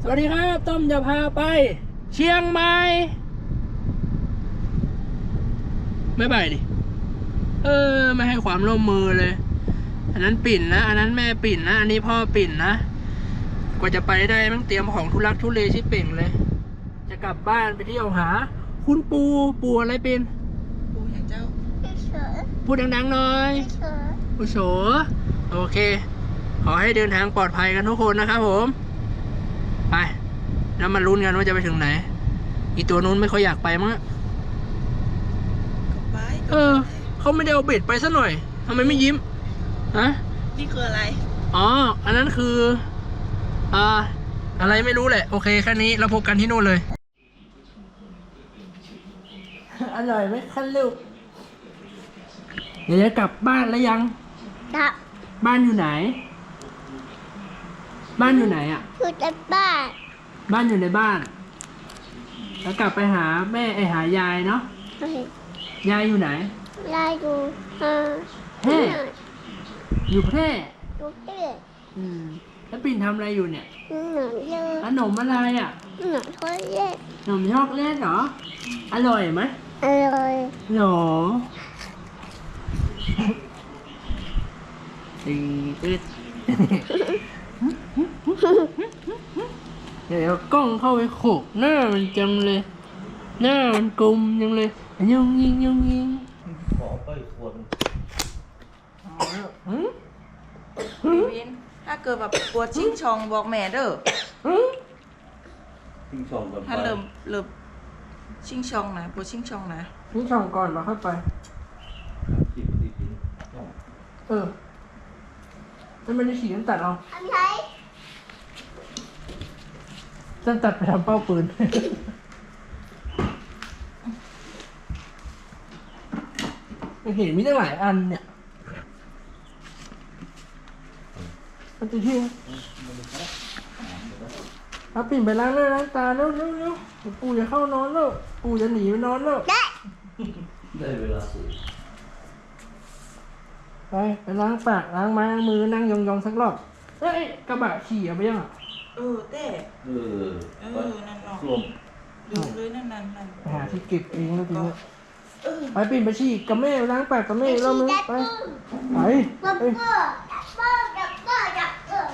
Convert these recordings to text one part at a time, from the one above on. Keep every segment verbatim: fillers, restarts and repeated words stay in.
สวัสดีครับต้อมจะพาไปเชียงใหม่ไม่ไปดิเออไม่ให้ความร่วมมือเลยอันนั้นปิ่นนะอันนั้นแม่ปิ่นนะอันนี้พ่อปิ่นนะกว่าจะไปได้ต้องเตรียมของทุลักทุเลชิบเป่งเลยจะกลับบ้านไปเที่ยวหาคุณปูปูอะไรปิ่นปูอย่างเจ้าพูดดังๆหน่อยปูโฉโอเคขอให้เดินทางปลอดภัยกันทุกคนนะครับผมไปแล้วมาลุ้นกันว่าจะไปถึงไหนอีตัวนู้นไม่ค่อยอยากไปมั้งไปเออเขาไม่ได้เอาเบ็ดไปซะหน่อยทำไมไม่ยิ้มฮะนี่คืออะไรอ๋ออันนั้นคืออ่าอะไรไม่รู้แหละโอเคแค่นี้เราพบกันที่นู่นเลยอร่อยไหมคันลูกเดี๋ยวจะกลับบ้านแล้วยังครับบ้านอยู่ไหน บ้านอยู่ไหนอ่ะอยู่ในบ้านบ้านอยู่ในบ้าน แล้วกลับไปหาแม่ไอหายายเนาะยายอยู่ไหนยายอยู่อ่าแพร่อยู่แพร่ดูเด็กอืมแล้วปิ่นทำอะไรอยู่เนี่ยหนูเยอะขนมอะไรอ่ะหนูทอดเล็กขนมช็อกโกแลตเหรออร่อยไหมอร่อยหรอตีอึดเดี๋ยวกล้องเข้าไปโขกหน้ามันจังเลย หน้ามันกลมจังเลยยุงยิงยุงยิงขอไปควรหืมพี่วิน ถ้าเกิดแบบปวดชิงชองบอกแม่เด้อหืมทิ้งช่องก่อนไปถ้าเริ่มเริ่มชิงชองนะปวดชิงชองนะนี่ช่องก่อนมาเข้าไปคิดดีทิ้งเออแล้วมันจะฉีดน้ำตัดเอาทำไรน้ำตัดไปทำเป้าปืน เห็นมีตั้งหลายอันเนี่ยมันจะทิ้งเอาปิ่นไปล้างหน้าล้างตาเร็วเร็วเร็วปู่จะเข้านอนแล้วปู่จะหนีไปนอนแล้วได้ได้เวลาสูงไปไปล้างปากล้างไม้ล้างมือนั่งยองๆสักรอบเอ้ยกระบะขี่เอาไปยังอ่ะเออเต้เออเอไปอ นั่นเนาะร่วมดูเลยนั่นนั่นนั่นไปหาที่เก็บเองแล้วทีนี้เออไปปิ่นไปฉี่กับแม่ล้างปากกับแม่รอบนึงไปไปดับไปเบิ้ลดับเบิ้ลดับเบิ้ลดับ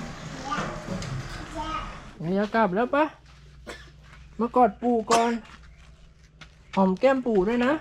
เบิ้ลเดี๋ยวกลับแล้วปะมากอดปู่ก่อนหอมแก้มปู่ด้วยนะ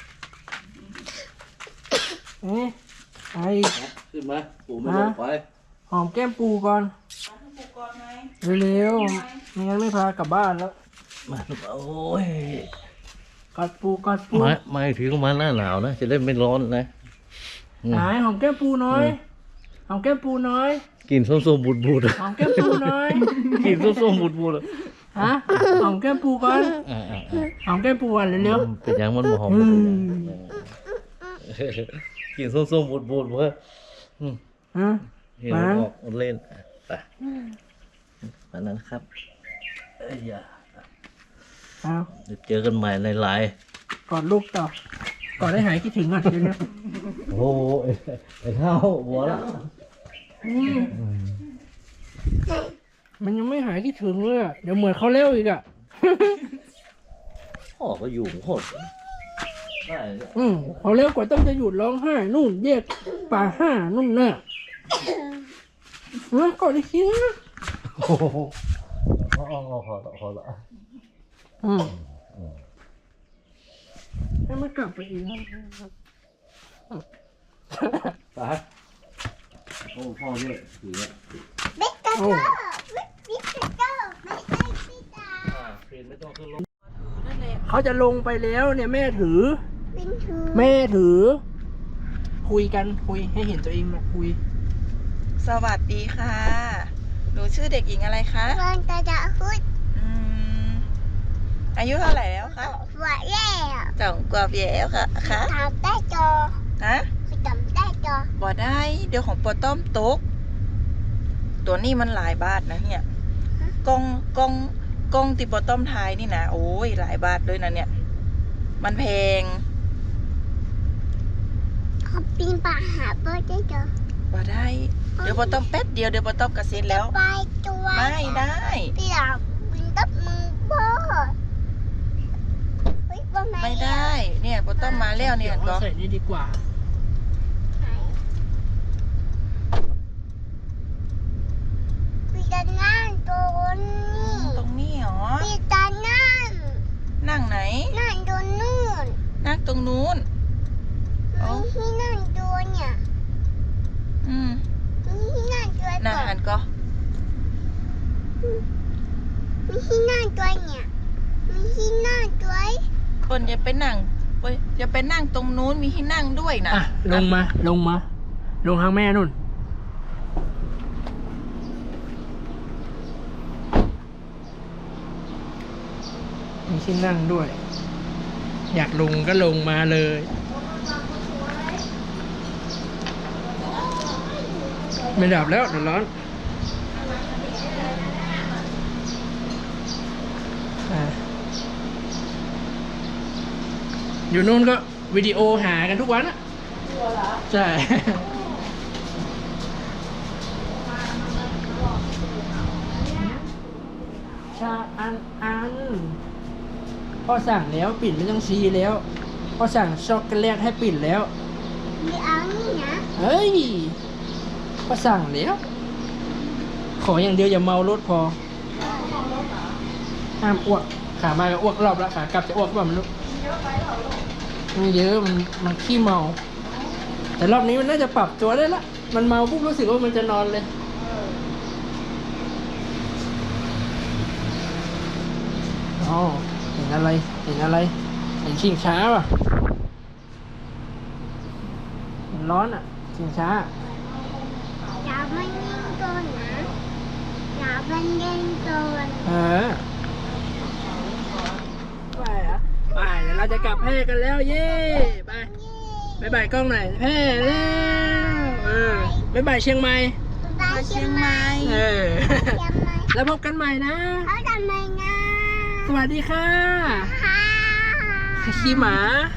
เอ๊ะไปขึ้นมาปู่ไม่ลงไปหอมแก้มปู่ก่อนมาให้ปูก่อนไหมเร็วๆไม่งั้นไม่พากลับบ้านแล้วมาโอ้ยกอดปู่กอดปู่มามาถึงมาหน้าหนาวนะ จะได้ไม่ร้อนนะอืมหายหอมแก้มปู่น้อยหอมแก้มปู่น้อยกินส้มๆบูดๆหอมแก้มปู่น้อยกินส้มๆบูดๆอะฮะหอมแก้มปู่ก่อนอ่าอ่าหอมแก้มปู่ก่อนเร็วเป็นยังมันบ่หอมอืบ่มเป็นยังกินส้มๆบูดๆเพื่ออืมๆฮะเห็นมาออกเล่นไปอันนั้นครับเอ้ยอย่าเอาเดี๋ยวเจอกันใหม่ในไลน์กอดลูกต่อ กอดได้หายคิดถึงอ่ะเดี๋ยวนี้โอ้โหไอ้ไอ้ข้าวหัวละอืมมันยังไม่หายคิดถึงเลยอ่ะ เดี๋ยวเหมือนเขาเร็วอีกอ่ะพ่อก็อยู่โคตรได้เนี่ยอืมเขาเร็วกว่าต้องจะหยุดร้องไห้นู่นแยกป่าห้านู่นน่ะนะกอดอีกทีนะโอ้โหอ๋ออ๋อพอละพอละอืมให้มันกลับไปอีกนะไปโอ้พ่อเนี่ยถือเนี่ยบิ๊กกระโดดบิ๊กกระโดดไม่ใช่พี่ตาอ่าเปลี่ยนไม่ต้องขึ้นรถนั่นแหละเขาจะลงไปแล้วเนี่ยแม่ถือบินถือแม่ถือ คุยกันคุยให้เห็นตัวเองนะคุยสวัสดีค่ะ หนูชื่อเด็กหญิงอะไรคะวันตาจะพูดอืม อายุเท่าไหร่แล้วคะหัวแย่สองกว่าปีแล้วค่ะคะทำได้จอฮะคือจำได้จอบ่ได้ เดี๋ยวของปอต้อมตก ตัวนี้มันหลายบาทนะเนี่ยกล้องกล้องกล้องติปอต้อมทายนี่นะโอ้ยหลายบาทเลยนะเนี่ย มันแพงเขาปีนป่าหาเพื่อได้จอบ่ได้ เดี๋ยวปอต้อมแป๊บเดียวเดี๋ยวปอต้อมกระเซ็นแล้วไปตัวไม่ได้พี่หลังต้อมมาแล้วเนี่ยดี๋วก็อาใส่นี่ดีกว่าพี่จะนั่งตรงนี้ตรงนี้เหรอพี่จะนั่งนั่งไหนนั่งตรงนู้นนั่งตรงนู้น อ๋อมีที่นั่งตัวเนี่ยอืมมีที่นั่งตัวน่าก่อหันนก็มีที่นั่งตัวเนี่ยมีที่นั่งตัวคนจะไปนั่งเว้ยจะไปนั่งตรงนู้นมีที่นั่งด้วยนะอ่ะ ลงมา ลงมา ลงทางแม่นุ่น มีที่นั่งด้วย อยากลงก็ลงมาเลย ไม่ดับแล้วเดี๋ยวร้อนอ่ะอยู่นู่นก็วิดีโอหากันทุกวันอะใช่ ชาอันอันพ่อสั่งแล้วปิ่นไม่ต้องซีแล้วพ่อสั่งช็อกโกแลตให้ปิ่นแล้วมีเอานี่นะเฮ้ยพ่อสั่งแล้ว ขออย่างเดียวอย่าเมารถพอห้ามอ้วกขามาก็อ้วกรอบแล้วขากลับจะอ้วกแบบมันลูกไม่เยอะมันมันขี้เมา แต่รอบนี้มันน่าจะปรับตัวได้ละมันเมาปุ๊บรู้สึกว่ามันจะนอนเลยอ๋อเห็นอะไรเห็นอะไรเห็นชิงช้าป่ะมันร้อนอ่ะชิงช้าอย่ามันเล่นตัวนะอย่ามันเล่นตัวเออไปอ่ะไปเดี๋ยวเราจะกลับแพร่กันแล้วเย้ไปบายบายกล้องหน่อยแพร่แล้วเออบายบายเชียงใหม่ไปเชียงใหม่เออเชียงใหม่แล้วพบกันใหม่นะเขาทำไมนะสวัสดีค่ะค่ะขี้หมา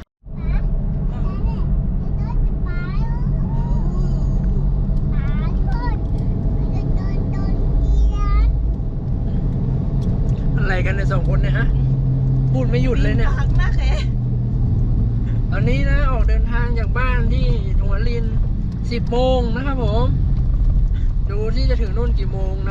อะไรกันในยสองคนเนี่ยฮะ พูดไม่หยุดเลยเนี่ยปากนะแค่ตอนนี้นะออกเดินทางจากบ้านที่หัวลินสิบโมงนะครับผม ดูที่จะถึงนู่นกี่โมงนะ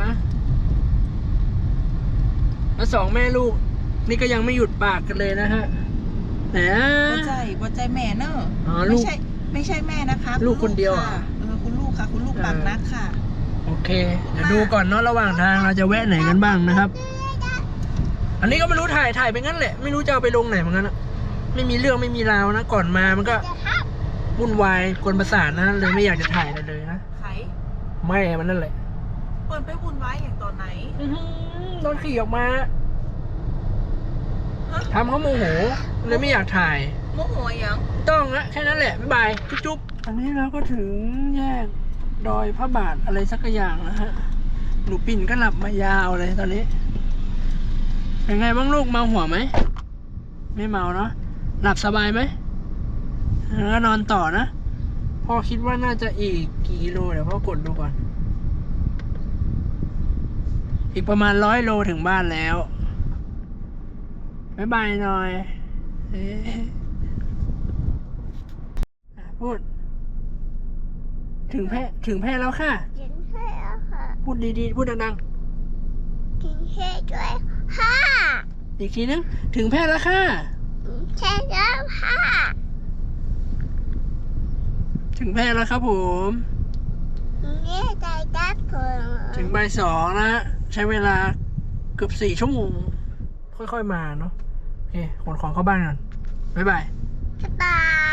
แล้วสองแม่ลูก นี่ก็ยังไม่หยุดปากกันเลยนะฮะไหนอ่ะบ่ใจบ่ใจแม่เนอะอ๋อลูกไม่ใช่ไม่ใช่แม่นะคะลูกคนเดียวเหรอค่ะเออคุณลูกค่ะ คุณลูกปากนักค่ะโอเค เดี๋ยวดูก่อนเนาะระหว่างทางเราจะแวะไหนกันบ้างนะครับ อันนี้ก็ไม่รู้ถ่ายถ่ายไปงั้นแหละ ไม่รู้จะเอาไปลงไหนเหมือนกันนะไม่มีเรื่องไม่มีราวนะ ก่อนมามันก็วุ่นวายกวนประสาทนะเลยไม่อยากจะถ่ายอะไรเลยนะไขไม่มันนั่นแหละเปิดไปวุ่นวายอย่างตอนไหนอื้อหือโดนขี่ออกมาฮะทำเขาโมโหเลยไม่อยากถ่ายโมโหยังต้องละแค่นั้นแหละบ๊ายบายจุ๊บๆอันนี้เราก็ถึงแยกดอยพระบาทอะไรสักอย่างนะฮะหนูปิ่นก็หลับมายาวเลยตอนนี้เป็นไงบ้างลูกเมาหัวไหมไม่เมาเนาะหลับสบายไหมแล้วก็นอนต่อนะพ่อคิดว่าน่าจะอีกกี่กิโลเดี๋ยวพ่อกดดูก่อน อีกประมาณร้อยโลถึงบ้านแล้วบ๊ายบายหน่อยเอ๊ะอ่ะพูด ถึงแพร่ถึงแพร่แล้วค่ะถึงแค่แล้วค่ะพูดดีๆ พูดดังถึงแค่ด้วยค่ะๆ อีกทีนึง ถึงแพร่แล้วค่ะถึงแค่แล้วค่ะถึงแพร่แล้วครับผมถึงแค่ใจดับผมถึงบ่ายสองนะฮะใช้เวลาเกือบสี่ชั่วโมง ค่อยๆมาเนาะ โอเคขนของเข้าบ้านก่อนบ๊ายบายสบาย